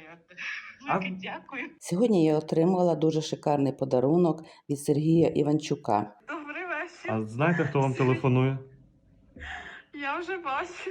Велике дякую. Сьогодні я отримала дуже шикарний подарунок від Сергія Іванчука. Добрий вечір. А знаєте, хто вам телефонує? Я вже бачу.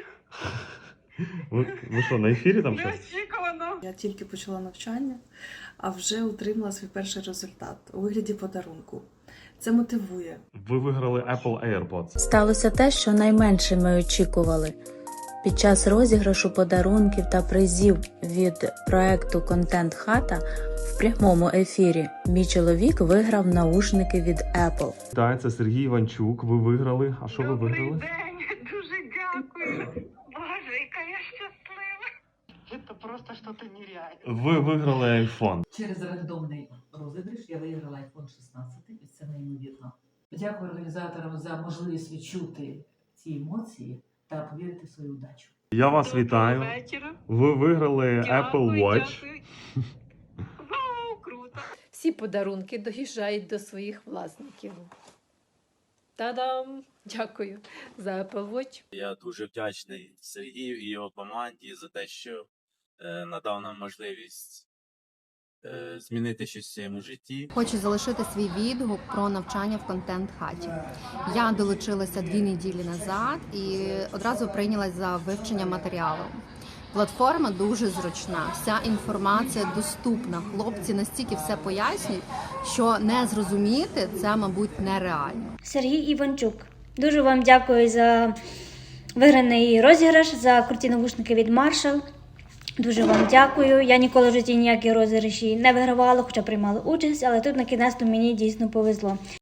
Ви що, на ефірі там щось? Неочікувано. Я тільки почала навчання, а вже отримала свій перший результат у вигляді подарунку. Це мотивує. Ви виграли Apple AirPods. Сталося те, що найменше ми очікували. Під час розіграшу подарунків та призів від проекту «Контент Хата» в прямому ефірі мій чоловік виграв наушники від Apple. Так, це Сергій Іванчук. Ви виграли. А що ви Добрий виграли? день. Дуже дякую. Боже, яка я щаслива. Це просто щось нереальне. Ви виграли iPhone. Через рандомний розіграш я виграла iPhone 16, і це неймовірно. Дякую організаторам за можливість відчути ці емоції та повірити в свою удачу. Я вас вітаю. Доброго вечора. Ви виграли Apple Watch. Дякую. Вау, круто. Всі подарунки доїжджають до своїх власників. Та-дам! Дякую за Apple Watch. Я дуже вдячний Сергію і його команді за те, що надав нам можливість змінити щось в своєму житті. Хочу залишити свій відгук про навчання в контент-хаті. Я долучилася 2 неділі назад і одразу прийнялась за вивчення матеріалу. Платформа дуже зручна, вся інформація доступна. Хлопці настільки все пояснюють, що не зрозуміти це, мабуть, нереально. Сергій Іванчук. Дуже вам дякую за виграний розіграш, за круті навушники від Marshall. Дуже вам дякую. Я ніколи в житті ніякі розіграші не вигравала, хоча приймала участь, але тут на кінець мені дійсно повезло.